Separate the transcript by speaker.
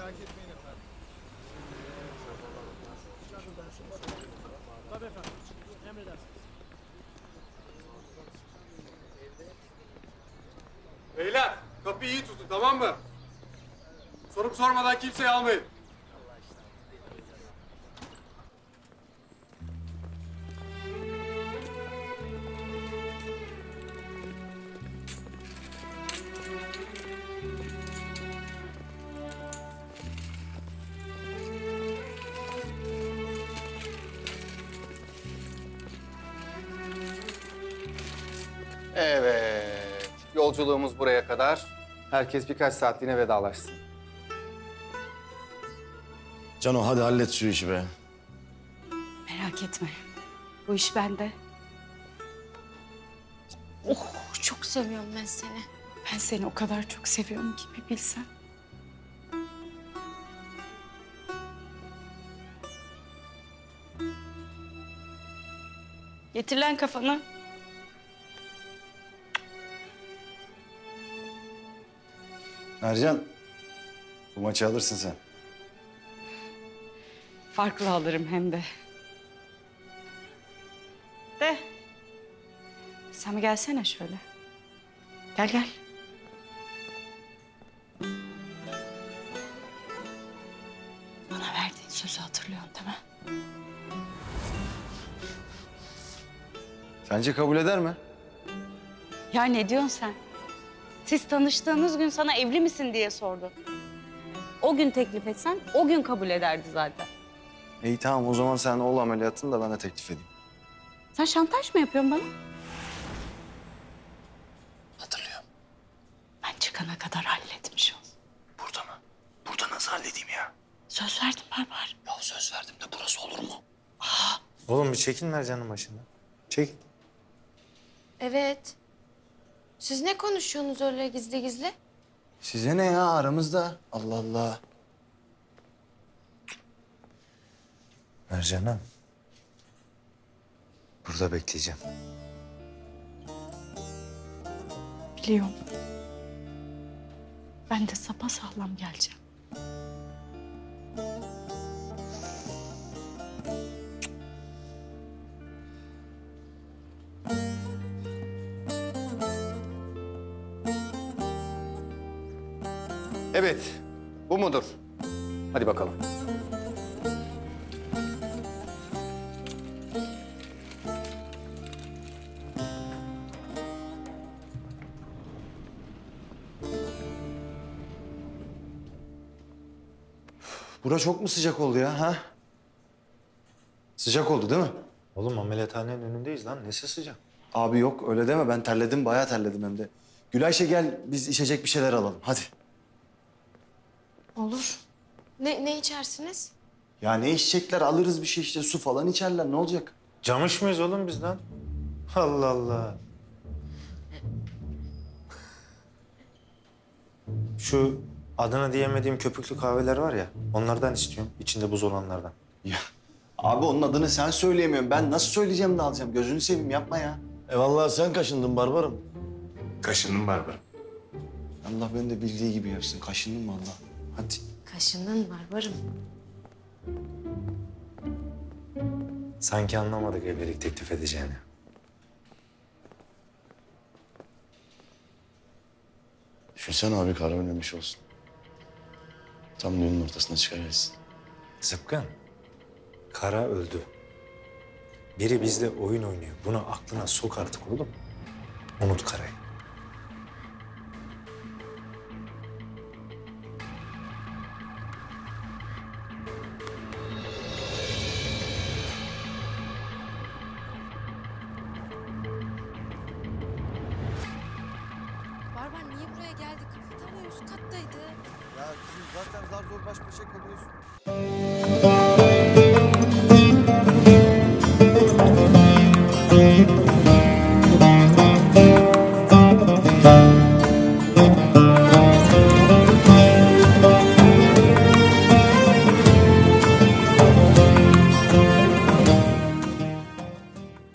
Speaker 1: Merak etmeyin efendim. Tabii efendim. Emredersiniz.
Speaker 2: Beyler kapıyı iyi tutun tamam mı? Sorup sormadan kimseyi almayın.
Speaker 3: Evet, yolculuğumuz buraya kadar. Herkes birkaç saatliğine vedalaşsın.
Speaker 4: Cano hadi hallet şu işi be.
Speaker 5: Merak etme. Bu iş bende.
Speaker 6: Oh, çok seviyorum ben seni.
Speaker 5: Ben seni o kadar çok seviyorum ki bir bilsen. Getir lan kafanı.
Speaker 4: Ercan, bu maçı alırsın sen.
Speaker 5: Farklı alırım hem de. De. Sen bir gelsene şöyle. Gel gel. Bana verdiğin sözü hatırlıyorsun değil mi?
Speaker 4: Sence kabul eder mi?
Speaker 5: Ya ne diyorsun sen? Siz tanıştığınız gün sana evli misin diye sordu. O gün teklif etsen o gün kabul ederdi zaten.
Speaker 4: İyi tamam o zaman sen ol ameliyatını da ben de teklif edeyim.
Speaker 5: Sen şantaj mı yapıyorsun bana?
Speaker 4: Hatırlıyorum.
Speaker 5: Ben çıkana kadar halletmiş ol.
Speaker 4: Burada mı? Burada nasıl halledeyim ya?
Speaker 5: Söz verdim Barbar.
Speaker 4: Ya söz verdim de burası olur mu?
Speaker 7: Oğlum bir çekin Mercan'ın başından. Çek.
Speaker 6: Evet. Siz ne konuşuyorsunuz öyle gizli gizli?
Speaker 4: Size ne ya aramızda? Allah Allah.
Speaker 7: Mercan'ım. Burada bekleyeceğim.
Speaker 5: Biliyorum. Ben de sapasağlam geleceğim.
Speaker 3: Evet, bu mudur? Hadi bakalım.
Speaker 4: Bura çok mu sıcak oldu ya ha? Sıcak oldu değil mi?
Speaker 7: Oğlum ameliyathanenin önündeyiz lan. Nesi sıcak?
Speaker 4: Abi yok öyle deme ben terledim bayağı terledim hem de. Gülayşe gel biz içecek bir şeyler alalım hadi.
Speaker 6: Olur. Ne içersiniz?
Speaker 4: Ya ne içecekler alırız bir şey işte su falan içerler ne olacak?
Speaker 7: Camış mıyız oğlum biz lan? Allah Allah. Şu adını diyemediğim köpüklü kahveler var ya, onlardan istiyorum. İçinde buz olanlardan.
Speaker 4: Ya abi onun adını sen söyleyemiyorsun. Ben nasıl söyleyeceğim de alacağım? Gözünü seveyim yapma ya.
Speaker 8: Vallahi sen kaşındın Barbarım.
Speaker 7: Kaşındım Barbar.
Speaker 4: Allah beni de bildiği gibi yapsın. Kaşındın mı Allah? Hadi.
Speaker 6: Kaşının var varım.
Speaker 7: Sanki anlamadık evlilik teklif edeceğini.
Speaker 8: Düşünsene abi kara oynamış olsun. Tam düğünün ortasına çıkarırsın.
Speaker 7: Zıpkın, Kara öldü. Biri bizle oyun oynuyor. Bunu aklına sok artık oğlum. Unut Kara'yı.
Speaker 6: Barbar niye buraya geldik? Tam üst kattaydı.
Speaker 4: Ya kızım zaten zar zor baş başa kalıyorsun.